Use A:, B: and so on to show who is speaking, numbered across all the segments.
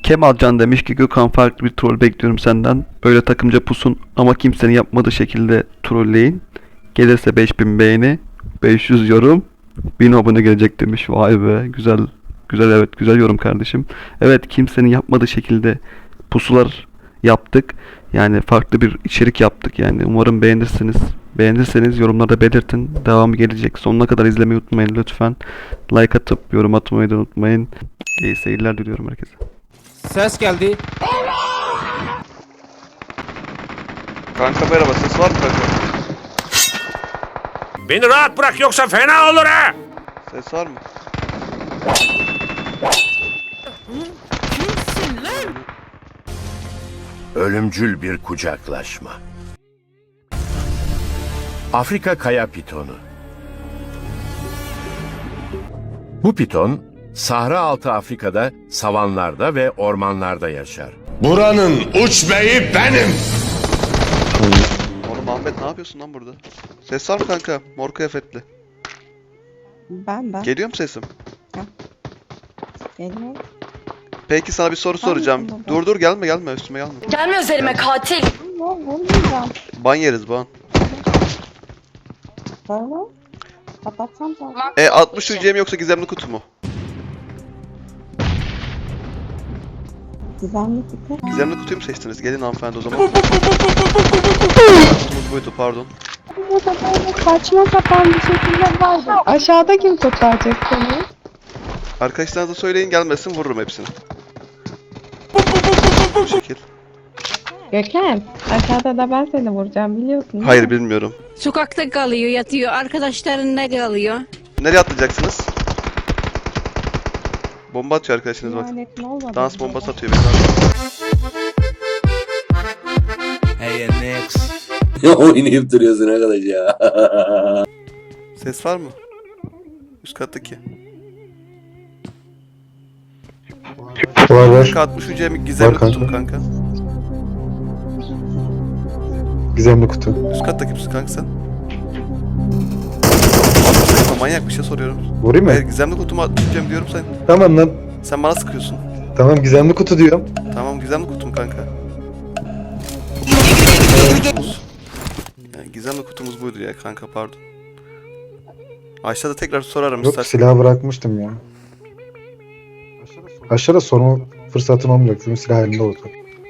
A: Kemalcan demiş ki Gökhan, farklı bir troll bekliyorum senden. Böyle takımca pusun ama kimsenin yapmadığı şekilde trolleyin. Gelirse 5000 beğeni, 500 yorum, 1000 abone gelecek demiş. Vay be, güzel güzel, evet, güzel yorum kardeşim. Evet, kimsenin yapmadığı şekilde pusular yaptık. Yani farklı bir içerik yaptık yani. Umarım beğenirsiniz. Beğenirseniz yorumlarda belirtin. Devamı gelecek. Sonuna kadar izlemeyi unutmayın lütfen. Like atıp yorum atmayı da unutmayın. İyi seyirler diliyorum herkese.
B: Ses geldi.
A: Kanka merhaba, ses var mı kanka?
C: Beni rahat bırak yoksa fena olur ha!
A: Ses var mı?
C: Ölümcül bir kucaklaşma. Afrika kaya pitonu. Bu piton, Sahra altı Afrika'da, savanlarda ve ormanlarda yaşar.
D: Buranın uç beyi benim.
A: Oğlum Ahmet, ne yapıyorsun lan burada? Ses var mı kanka? Mor kıyafetli.
E: Ben.
A: Geliyor mu sesim?
E: Geliyor.
A: Peki sana bir soru soracağım.
E: Tamam.
A: Dur gelme üstüme gelme.
F: Gelme üzerime katil.
E: Vurmayacağım.
A: Ban yeriz ban.
E: Böyle. Kapatsam zaten.
A: 60 UC mi yoksa gizemli kutu mu?
E: Gizemli kutu.
A: Gizemli kutuyu mu seçtiniz? Gelin hanımefendi o zaman. Kutumuz buydu, pardon.
E: Burada böyle saçma sapan bir şekilde vardı. Aşağıda kim kurtaracak seni?
A: Arkadaşlarınıza söyleyin, gelmesin, vururum hepsini. Bu şekil.
E: Gökhan, aşağıda da ben seni vuracağım biliyorsun.
A: Hayır, bilmiyorum.
G: Sokakta kalıyor, yatıyor. Arkadaşlarında kalıyor.
A: Nereye atlayacaksınız? Bomba atıyor arkadaşınız bak.
E: Lanetin olmadı.
A: Dans bombası atıyor beni.
B: Hey next.
H: Oynayıp duruyorsun arkadaş ya.
A: Ses var mı? Üst kattaki.
I: Var.
A: Kanka 60 UC mi gizemli
I: Var kanka.
A: kutu mu kanka?
I: Gizemli kutu.
A: Üst kattaki misin kanka sen? Manyak bir şey soruyorum.
I: Vurayım mı?
A: Hayır, gizemli kutumu atacağım diyorum sen.
I: Tamam lan.
A: Sen bana sıkıyorsun.
I: Tamam, gizemli kutu diyorum.
A: Tamam, gizemli kutum kanka. Yani gizemli kutumuz buydu ya kanka, pardon. Aşağıda tekrar sorarım
I: Yok,
A: istersen.
I: silahı bırakmıştım ya. Aşağıda sorma fırsatım olmayacak çünkü silah elimde olacak.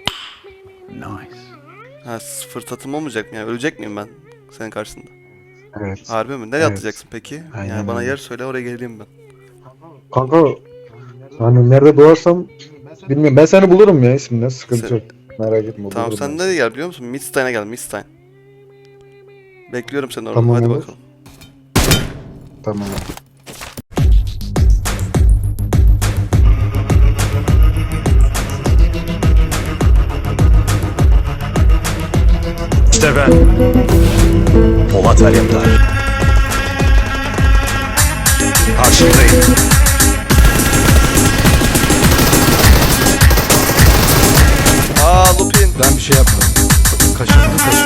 A: Ha, fırsatım olmayacak mı yani? Ölecek miyim ben senin karşısında?
I: Evet.
A: Harbi mi? Nereye
I: Evet.
A: atlayacaksın peki?
I: Aynen
A: Yani bana
I: öyle.
A: yer söyle, oraya geleyim ben.
I: Kanka, hani nerede doğarsam bilmiyorum. Ben seni bulurum ya ismine. Sıkıntı
A: Sen-
I: yok. Merak etme.
A: Tamam,
I: bulurum
A: sen
I: ben.
A: nereye gel biliyor musun? Midstein'e gel, Midstein. Bekliyorum seni orada,
I: Tamam,
A: hadi
I: olur.
A: bakalım.
I: Tamam.
C: İşte ben. Polat Alemdar. Karşındayım.
A: Lupin.
B: Ben bir şey yapmadım. Kaşındı.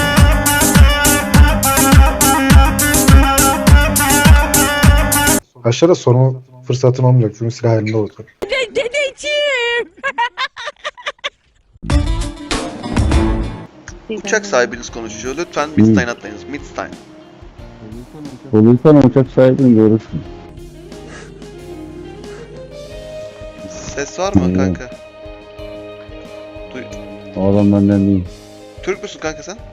I: Aşağıda sorma fırsatım olmayacak çünkü silah elimde olacak.
G: Dedeciğim.
A: Uçak sahibiniz konuşuyor. Lütfen Midstein atlayınız. Midstein.
H: Olursan uçak sahibini görürsün.
A: Ses var mı kanka?
H: O adam benden değil.
A: Türk müsün kanka sen?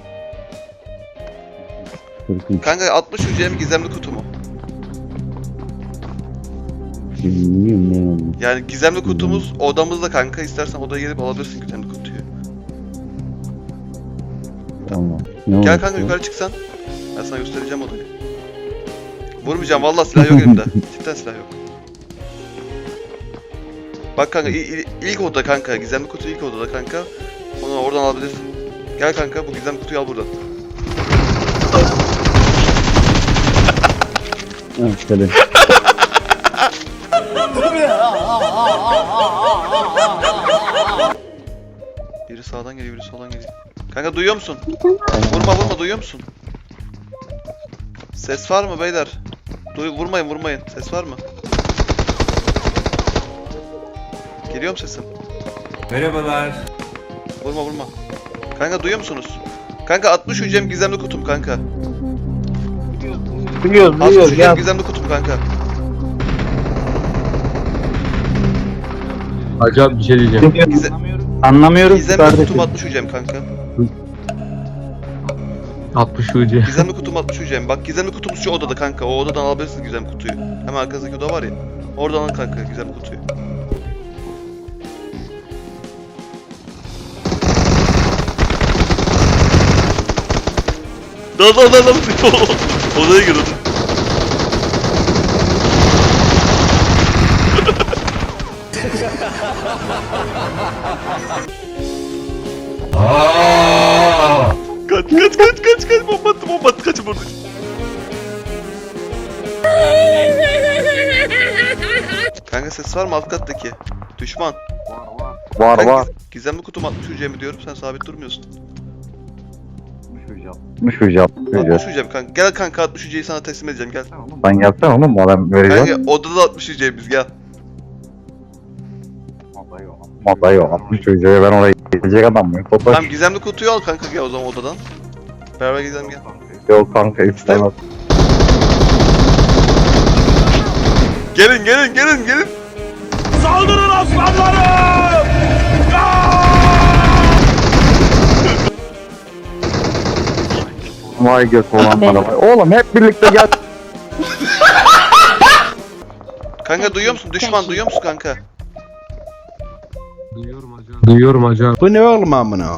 H: Türk'üm.
A: Kanka 60 UC mi gizemli kutu mu?
H: Bilmiyorum ne oldu.
A: Yani gizemli kutumuz odamızda kanka. İstersen odaya gelip alabilirsin gizemli kutuyu.
H: Tamam. Ne
A: Gel
H: oldu?
A: kanka, yukarı çıksan. Ben sana göstereceğim odayı. Vurmayacağım vallahi, silah yok elimde. Cidden silah yok. Bak kanka, ilk oda kanka. Gizemli kutu ilk odada kanka. Onu oradan alabilirsin. Gel kanka, bu gizemli kutuyu al buradan.
H: Ha, şöyle.
A: Biri sağdan geliyor, biri soldan geliyor. Kanka duyuyor musun? Vurma, duyuyor musun? Ses var mı beyler? Vurmayın. Ses var mı? Geliyor mu sesim?
B: Merhabalar.
A: Vurma vurma. Kanka duyuyor musunuz? Kanka 60 hücrem gizemli kutum kanka.
I: Biliyoruz
A: 60
I: biliyoruz
A: hücrem
I: ya.
A: gizemli kutum kanka.
H: Acayip bir şey diyeceğim.
A: Gize
H: Anlamıyorum ki
A: gizemli
H: kardeşim.
A: kutum 60 hücrem kanka.
H: 60 ucu.
A: Gizemli kutum 60 hücrem. Bak gizemli kutumuz şu odada kanka. O odadan alabilirsiniz gizemli kutuyu. Hemen arkasındaki oda var ya. Oradan alın kanka gizemli kutuyu. Dal. Odaya gir odaya. Kaç bomba attı kaçın burada. Kanka ses var mı alt kattaki? Düşman.
H: Var
A: Kanka,
H: var.
A: Gizemli kutum 60 hücremi diyorum sen sabit durmuyorsun.
H: 60 ucu
A: 60 hücrem kanka. Gel kanka 60 hücreyi sana teslim edeceğim gel.
H: Sen gelsene oğlum adam vereceğim.
A: Kanka odada 60 hücremiz gel.
H: Vallahi yok 60 ucuya ben oraya gelecek adam mıyım? Topaş.
A: Tamam gizemli kutuyu al kanka gel o zaman odadan. Beraber gidelim gel.
H: Yok kanka istemez.
A: Gelin.
H: Vay göt olanlara vay. Oğlum hep birlikte gel.
A: Kanka duyuyor musun? Düşman duyuyor musun kanka?
H: Duyuyorum hocam.
B: Bu ne oğlum amına?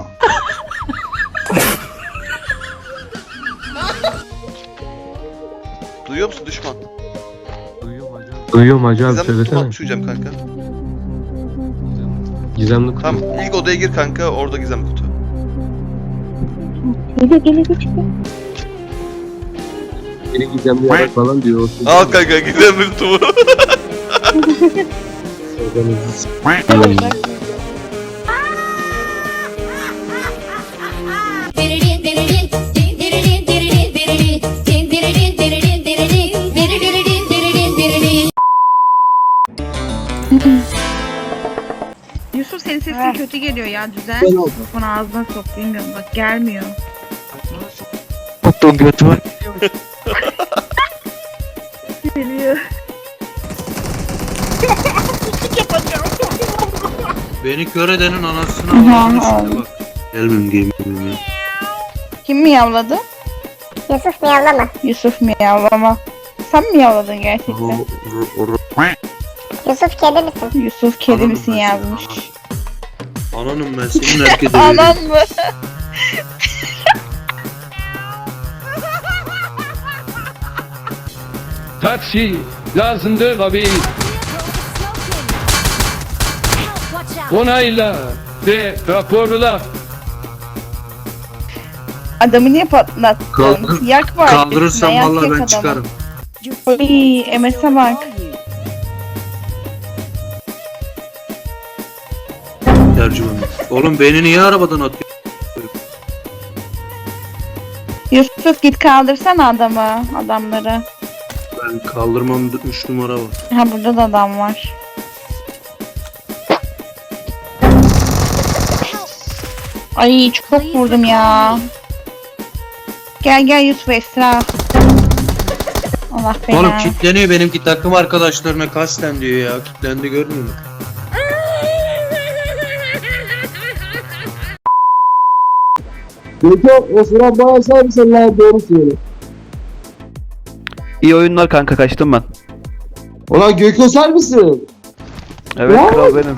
A: Duyuyor musun düşman?
H: Duyuyorum hocam
A: Gizemli kutum
H: söylesene.
A: 60 hücrem kanka.
H: Gizemli kutu.
A: Tamam ilk odaya gir kanka orada gizemli kutu.
E: Geliyor çıkıyor.
H: Biri gizemli yarak falan diyor.
A: Al kanka gizemli kutumu.
F: Yusuf senin sesin kötü geliyor ya düzen. Mikrofonu ağzına sok bilmiyorum bak gelmiyor.
H: Tuttuğum götümü.
F: Geliyor.
B: Beni kör edenin anasını
E: Aha,
B: ağlatmışsın bak. Gelmem gelmem.
F: Kim miyavladı?
E: Yusuf miyavlama.
F: Yusuf miyavlama. Sen mi miyavladın gerçekten?
E: Yusuf kedi misin?
F: Yusuf kedi
B: Anladım
F: misin
B: ben seni,
F: yazmış.
B: Ananım ben senin herkese
F: Anan mı?
J: Taksi lazımdır abi. Onayla ve raporla.
F: Adamı niye patlattın?
B: Kaldır-
F: Yak var.
B: Kaldırırsam
F: yak
B: vallahi ben
F: adamı.
B: çıkarım.
F: Oy, MS'e bak.
B: Tercüman. Oğlum beni niye arabadan atıyor?
F: Yusuf git kaldırsana adamları.
B: Ben kaldırmam 3 numara var.
F: Ha burada da adam var. Ay çok vurdum ya. Gel Yusuf Esra. Allah
B: Oğlum
F: belanı.
B: kilitleniyor benimki takım arkadaşlarına kasten diyor ya. Kilitlendi görmüyor musun?
A: İyi oyunlar kanka kaçtım ben.
I: Ulan Gökhan sen misin?
A: Evet kral benim.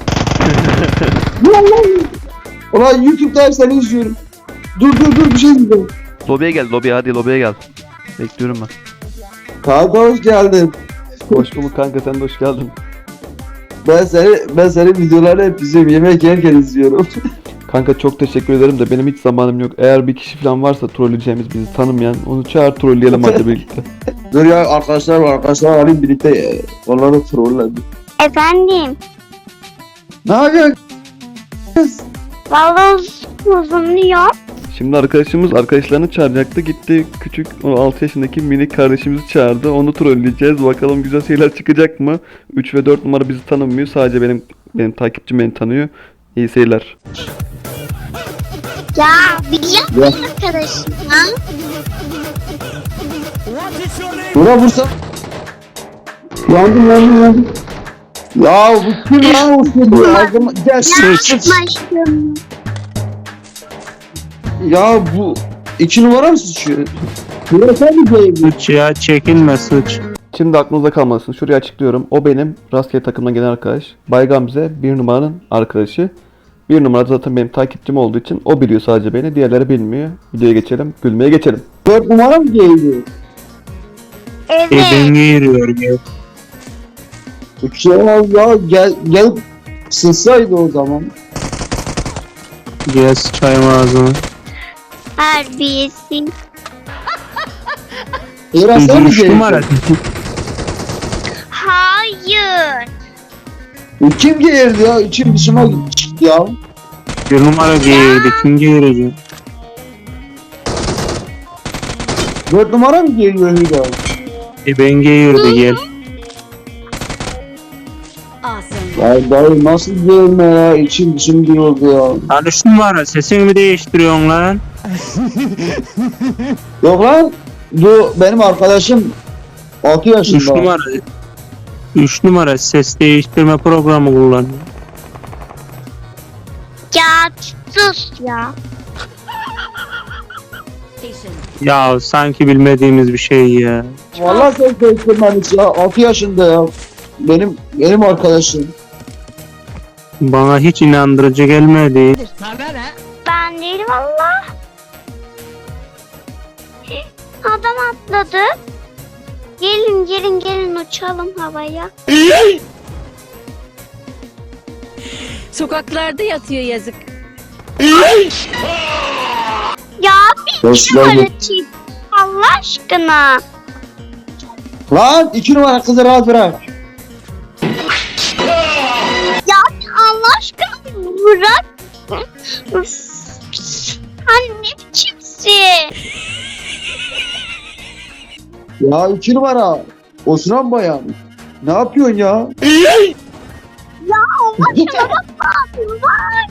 I: Ulan YouTube'da seni izliyorum. Dur bir şey diyeceğim.
A: Lobiye gel hadi lobiye gel. Bekliyorum ben.
I: Kanka hoş geldin.
A: Hoş bulduk kanka sen de hoş geldin.
I: Ben senin videolarını hep izliyorum. Yemek yerken izliyorum.
A: Kanka çok teşekkür ederim de benim hiç zamanım yok. Eğer bir kişi falan varsa trolleyeceğimiz bizi tanımayan onu çağır trolleyelim hadi birlikte.
I: Dur ya arkadaşlar var. Arkadaşlar alayım birlikte. Onları trolledim.
E: Efendim.
I: Ne yapıyorsun?
E: Vallahi uzunluyor.
A: Şimdi arkadaşlarını çağıracaktı gitti küçük o 6 yaşındaki minik kardeşimizi çağırdı onu trolleyeceğiz bakalım güzel şeyler çıkacak mı? 3 ve 4 numara bizi tanımıyor sadece benim takipçim beni tanıyor. İyi seyirler.
K: Ya biliyor musun arkadaşım ha?
I: Bura vursa. Yandım. Ya bu kim lan olsun bu ağzıma. Gel sıç.
K: Başım.
I: Ya bu 2 numara mı sıçıyor? Bura sen mi değil?
B: Sıç ya çekinme sıç.
A: Şimdi aklınızda kalmasın. Şuraya açıklıyorum. O benim rastgele takımdan gelen arkadaş. Bay Gamze 1 numaranın arkadaşı. 1 numara zaten benim takipçim olduğu için o biliyor sadece beni. Diğerleri bilmiyor. Videoya geçelim. Gülmeye geçelim.
I: 4 numara mı geliyor?
K: Evet.
B: Giriyor ya.
I: Uçuyor ya gel sızsaydı o zaman.
B: Gel sıçayım ağzına.
K: Harbiyesi.
I: Eren sen mi
B: 3 numara.
I: geliyorsun?
K: Hayır.
I: Kim gelirdi ya? İçim dışıma çıktı ya.
B: 1 numara girdi. Kim girecek?
I: 4 numara mı geliyor Hüda?
B: Ben girdi gel.
I: Ya dayı nasıl gelme ya? İçim dışım bir oldu ya.
B: Lan 3 numara sesini mi değiştiriyorsun lan?
I: Yok lan. Bu benim arkadaşım 6
B: 3
I: yaşında.
B: numara. 3 numara ses değiştirme programı kullanıyor.
K: Ya sus ya.
B: Ya sanki bilmediğimiz bir şey ya.
I: Vallahi sen değiştirmemiş ya. 6 yaşında ya. Benim arkadaşım.
B: Bana hiç inandırıcı gelmedi.
K: Ben değilim valla. Adam atladı. Gelin uçalım havaya.
G: Sokaklarda yatıyor yazık.
K: Ya bir
I: Hoş
K: numara
I: geldin.
K: çift. Allah aşkına.
I: Lan 2 numara kızı rahat bırak.
K: Ya Allah aşkına bırak. Üf. Anne ne biçimsin?
I: Ya 2 numara. Osman bayan. Ne yapıyorsun ya?
K: Ya Allah aşkına bak ne yapıyorsun bak.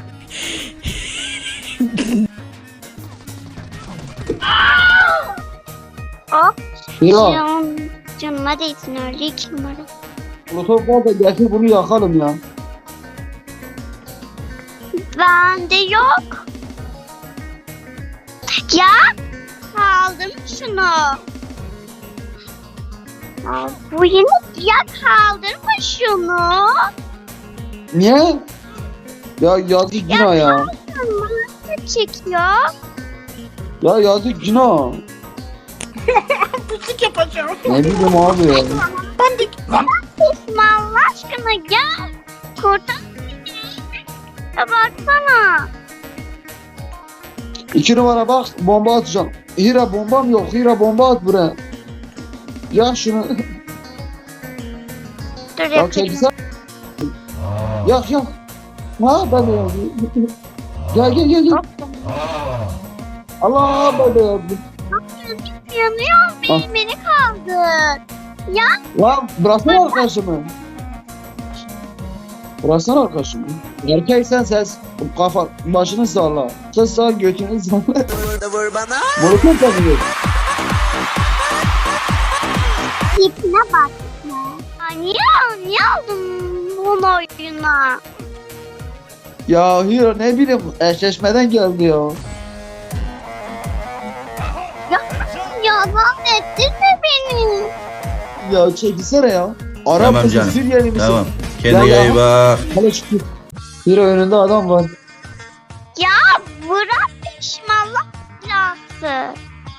K: Hop.
I: Ya.
K: Canıma değsin öyle 2 numara.
I: Protokol da getir bunu yakalım ya.
K: Bende yok. Ya kaldım şunu. Ya, bu yine ya kaldırma şunu.
I: Niye? Ya yazık günah ya.
K: Nasıl çekiyor?
I: Ya yazık günah. Ne bileyim abi ya.
K: Osman Allah aşkına gel. Kurtar beni. Ya baksana.
I: 2 numara bak bomba atacağım. Hira bombam yok. Hira bomba at buraya. Ya şunu.
K: Dur
I: Ya
K: yapayım.
I: çekilsen. Yak. Ha ben de yazdım. Gel.
K: Hop.
I: Allah ben de yazdım.
K: Yanıyor
I: Ah.
K: beni kaldır. Ya
I: Lan bıraksana arkadaşımı. Bıraksana arkadaşımı. Erkeksen ses kafa başını salla. Ses sağ götünü salla. Vur bana. Molotov tanıyor.
K: tipine bak. Ya niye aldın bunu oyuna?
I: Ya Hira ne bileyim eşleşmeden geldi ya.
K: Yalan ettirme beni.
I: Ya çekilsene ya. Arap
D: Tamam
I: mısın
D: canım,
I: Suriyeli misin?
D: Tamam.
I: Ya,
D: Kendine
I: ya.
D: iyi bak.
I: Hala çıkıyor. Hira önünde adam var.
K: Ya bırak peşimi Allah belası.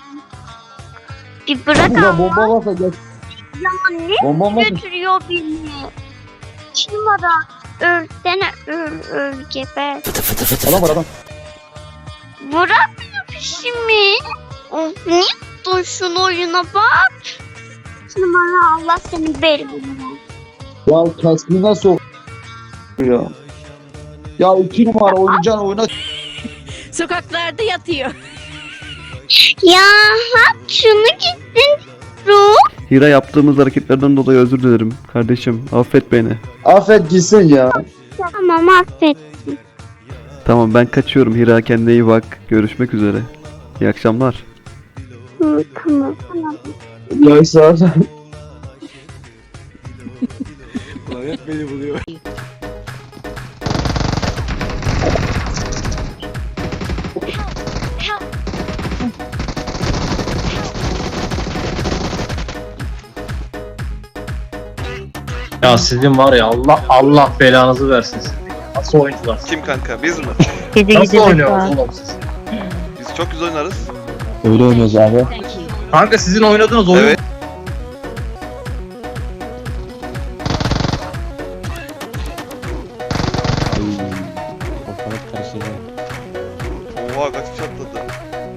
K: Bir bırak
I: Burada
K: Allah.
I: bomba varsa gel.
K: Ya ne
I: Bomba varsa.
K: götürüyor beni? 2 numara. Ölsene öl geber.
I: Adam var adam.
K: Bırak beni peşimi. Of niye tuttun şunu oyuna bak. 2 numara Allah seni belirler.
I: Ya kaskına sok. Ya. Ya 2 numara oynayacağın oyuna.
G: Sokaklarda yatıyor.
K: Ya hap şunu gitsin. Ruh.
A: Hira yaptığımız hareketlerden dolayı özür dilerim. Kardeşim affet beni.
I: Affet gitsin ya.
K: Tamam affettim.
A: Tamam ben kaçıyorum. Hira kendine iyi bak. Görüşmek üzere. İyi akşamlar.
K: Hı, tamam.
I: Ya sağ ol.
B: Ya sizin var ya Allah belanızı versin sizin. Nasıl oyuncular?
A: Kim kanka? Biz mi?
B: Nasıl oynuyorsunuz oğlum siz?
A: Biz çok güzel oynarız.
I: Öyle oynuyoruz abi.
B: Kanka sizin oynadığınız oyun
A: Evet. Oha kaç kişi atladı.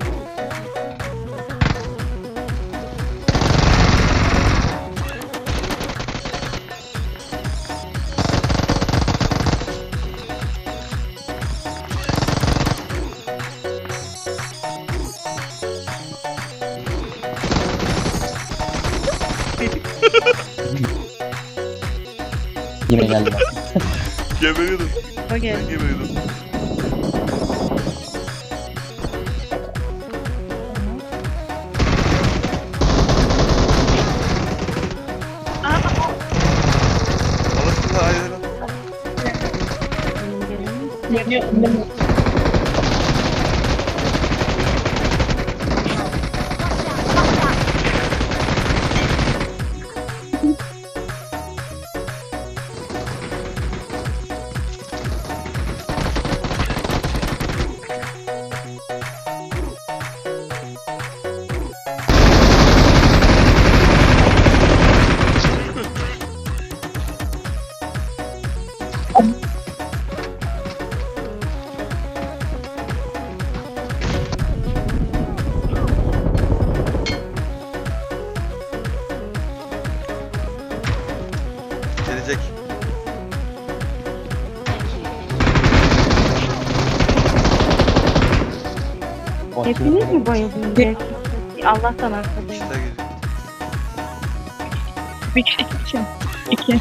I: Yine geldi bak.
A: Geberiyordum.
F: Okay.
A: Ben geberiyordum. Alırsın da hayır. Gelecek.
E: Hepiniz mi bayıldınız? Allah'tan arkadayım.
A: İşte geliyor.
F: Bir kişi için. İki.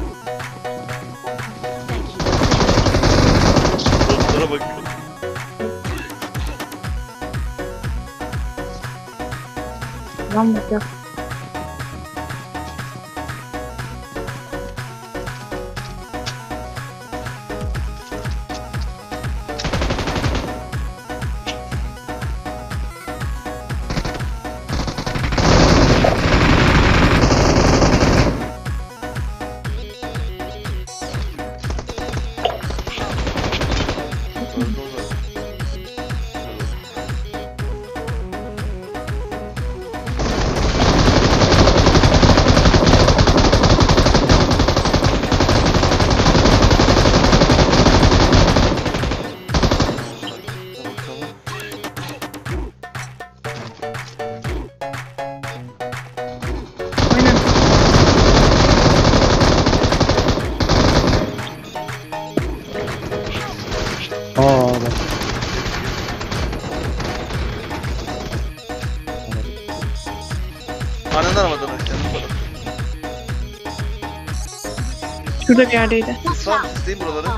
A: Dostlara bak.
E: Lan bak.
I: Aa bak.
A: Annen aramadan kendi para.
F: Şurada bir yerdeydi.
A: Siz var mı? Sizdeyim buraları.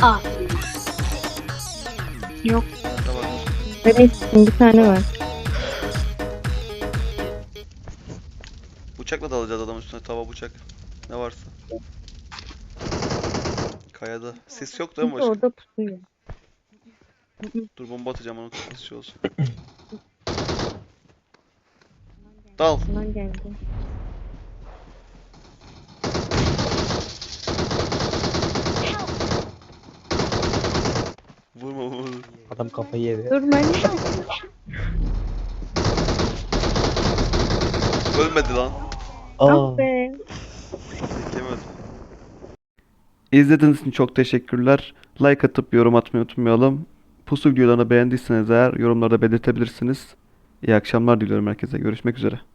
F: Yok.
A: Tamam.
E: Evet, bir tane var.
A: Bıçakla da alacağız adamın üstüne. Tava bıçak. Ne varsa. Kayada. Ses yok değil mi başka?
E: Orada pusuyor.
A: Dur bomba atacağım onun kafası şey olsun. Dal.
E: Bundan geldi.
A: Vurma vurma.
I: Adam kafayı yedi.
E: Dur ben
A: Ölmedi lan.
E: Ah be.
A: Yemedim. İzlediğiniz için çok teşekkürler. Like atıp yorum atmayı unutmayalım. Pusu videolarını beğendiyseniz eğer yorumlarda belirtebilirsiniz. İyi akşamlar diliyorum herkese. Görüşmek üzere.